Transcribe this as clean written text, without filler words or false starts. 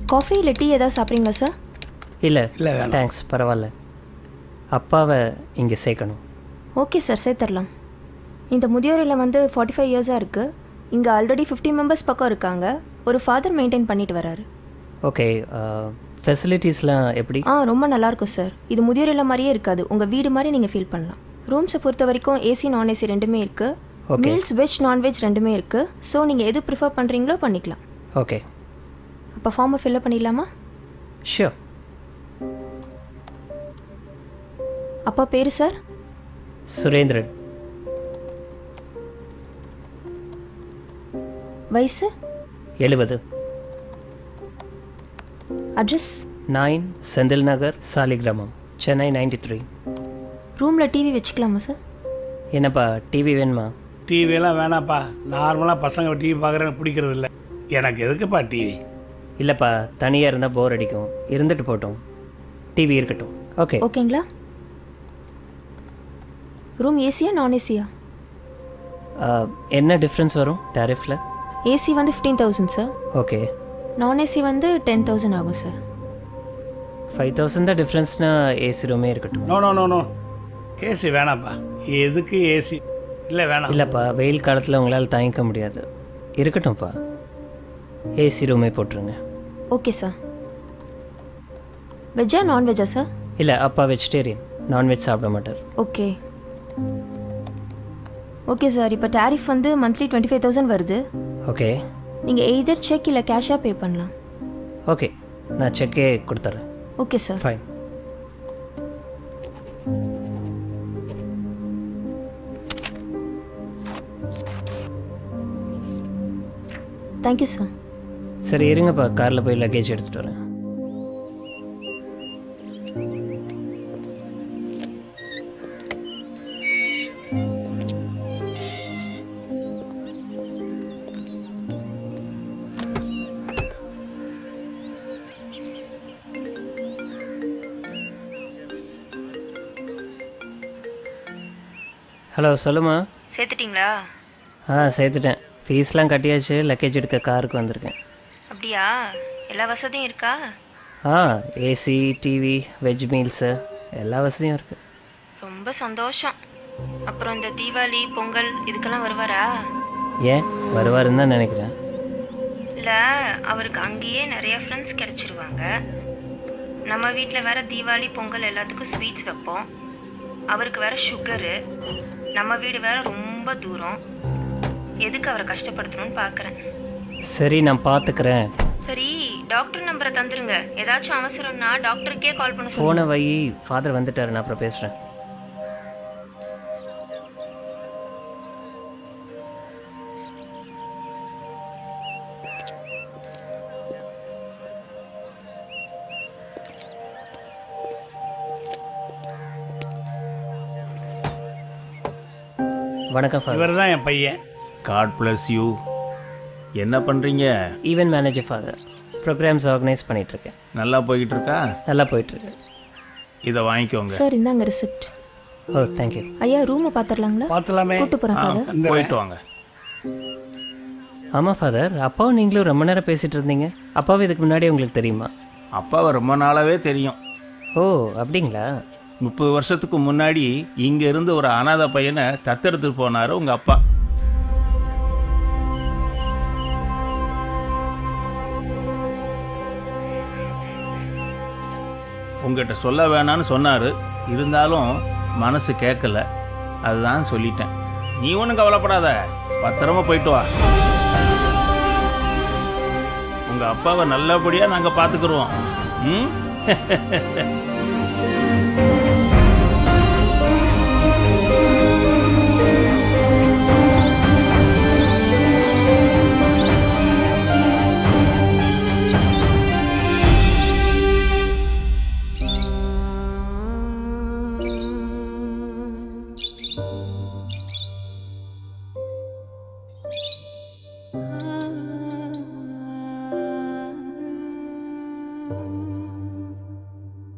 Coffee இல்லை tea ஏதாவது சாப்பிட்றீங்களா சார்? இல்லை இல்லை தேங்க்ஸ், பரவாயில்ல. அப்பாவை இங்கே சேர்க்கணும். ஓகே சார், சேர்த்துடலாம். இந்த முதியோர் இல்லம் வந்து 45 இயர்ஸாக இருக்குது. இங்கே ஆல்ரெடி 50 மெம்பர்ஸ் பக்கம் இருக்காங்க. ஒரு ஃபாதர் மெயின்டைன் பண்ணிட்டு வராரு. ஓகே, ஃபெசிலிட்டிஸ்லாம் எப்படி? ரொம்ப நல்லாயிருக்கும் சார். இது முதியோர் இல்லம் மாதிரியே இருக்காது, உங்கள் வீடு மாதிரி நீங்கள் ஃபீல் பண்ணலாம். ரூம்ஸை பொறுத்த வரைக்கும் ஏசி நான் ஏசி ரெண்டுமே இருக்குது. மீல்ஸ் வெஜ் நான்வெஜ் ரெண்டுமே இருக்குது. ஸோ நீங்கள் எது ப்ரிஃபர் பண்ணுறீங்களோ பண்ணிக்கலாம். ஓகே, அப்போ ஃபார்மை ஃபில்அப் பண்ணிடலாமா? ஷியோர். அப்பா பேர் சார்? சுரேந்திரன். வயசு? 70. அட்ரஸ்? 9 செந்தில் நகர், சாலிகிராமம், சென்னை 93. ரூமில் டிவி வச்சுக்கலாமா சார்? என்னப்பா டிவி வேணுமா? டிவியெல்லாம் வேணாப்பா. நார்மலாக பசங்க டிவி பார்க்குறேன்னு பிடிக்கிறது இல்லை. எனக்கு எதுக்குப்பா டிவி? இல்லைப்பா, தனியாக இருந்தால் போர் அடிக்கும். இருந்துட்டு போட்டோம், டிவி இருக்கட்டும். ஓகே ஓகேங்களா? ரூம் ஏசியா நான் ஏசியா? என்ன டிஃப்ரென்ஸ் வரும் டாரிஃபில்? ஏசி வந்து 15,000 சார். ஓகே. நான் ஏசி வந்து 10,000 ஆகும் சார். 5,000 தான் டிஃப்ரென்ஸ்னா ஏசி ரூமே இருக்கட்டும். No no no no, AC வேணாப்பா. எதுக்கு ஏசி? இல்லை வேணாம். இல்லைப்பா, வெயில் காலத்தில் உங்களால் தாங்கிக்க முடியாது. இருக்கட்டும்ப்பா, ஏசி ரூமே போட்டுருங்க. Okay sir. வெஜ்ஜா நான்வெஜ்ஜா சார்? இல்லை, அப்பா வெஜிடேரியன், நான்வெஜ் சாப்பிட மாட்டார். Okay okay sir. இப்போ டாரிஃப் வந்து மந்த்லி 25,000 வருது. ஓகே. நீங்கள் எய்தர் செக் இல்லை கேஷாக பே பண்ணலாம். ஓகே, நான் செக்கே கொடுத்துட்றேன். Okay sir. Fine. Thank you sir. சரி இருங்கப்பா, காரில் போய் லக்கேஜ் எடுத்துகிட்டு வரேன். ஹலோ, சொல்லுமா. சேர்த்துட்டிங்களா? சேர்த்துட்டேன். ஃபீஸ்லாம் கட்டியாச்சு. லக்கேஜ் எடுக்க காருக்கு வந்திருக்கேன். அப்படியா? எல்லா வசதியும் இருக்கா? ஏசி, டிவி, வெஜ் மீல்ஸு எல்லா வசதியும் இருக்குது. ரொம்ப சந்தோஷம். அப்புறம் இந்த தீபாவளி பொங்கல் இதுக்கெல்லாம் வருவாரா? ஏன் வருவாருன்னு தான் நினைக்கிறேன். இல்லை, அவருக்கு அங்கேயே நிறைய ஃப்ரெண்ட்ஸ் கிடச்சிருவாங்க. நம்ம வீட்டில் வேற தீபாவளி பொங்கல் எல்லாத்துக்கும் ஸ்வீட்ஸ் வைப்போம். அவருக்கு வேற சுகரு. நம்ம வீடு வேற ரொம்ப தூரம். எதுக்கு அவரை கஷ்டப்படுத்தணும்னு பார்க்குறேன். சரி, நான் பார்த்துக்கிறேன். சரி, டாக்டர் நம்பரை தந்துருங்க. ஏதாச்சும் அவசரம்னா டாக்டருக்கே கால் பண்ண சொல்லுங்க. போன வை, ஃபாதர் வந்துட்டாரு, நான் அப்புறம் பேசுகிறேன். வணக்கம் ஃபாதர். இவர் தான் என் பையன். God bless you. என்ன பண்ணுறீங்க? Event manager father. Programmes organise பண்ணிகிட்ருக்கேன். நல்லா போய்கிட்டு இருக்கா? நல்லா போயிட்டுருக்கு. இதை வாங்கிக்கோங்க. சார், இந்தாங்க ரிசிப்ட். ஓ, தேங்க்யூ. ஐயா, ரூமை பார்த்துடலாங்களா? பார்த்துலாமே. கூட்டு போகிறேன் ஃபாதர். போயிட்டு வாங்க. ஆமாம் ஃபாதர், அப்பாவும் நீங்களும் ரொம்ப நேரம் பேசிகிட்டு இருந்தீங்க. அப்பாவும் இதுக்கு முன்னாடி உங்களுக்கு தெரியுமா? அப்பாவை ரொம்ப நாளாவே தெரியும். ஓ, அப்படிங்களா? 30 வருஷத்துக்கு முன்னாடி இங்க இருந்து ஒரு அனாதை பையனை தத்தெடுத்து போனாரு உங்க அப்பா. உங்ககிட்ட சொல்ல வேணான்னு சொன்னாரு. இருந்தாலும் மனசு கேட்கல, அதுதான் சொல்லிட்டேன். நீ ஒன்றும் கவலைப்படாத, பத்திரமா போயிட்டு வா. உங்க அப்பாவை நல்லபடியா நாங்க பாத்துக்கிறோம். ம்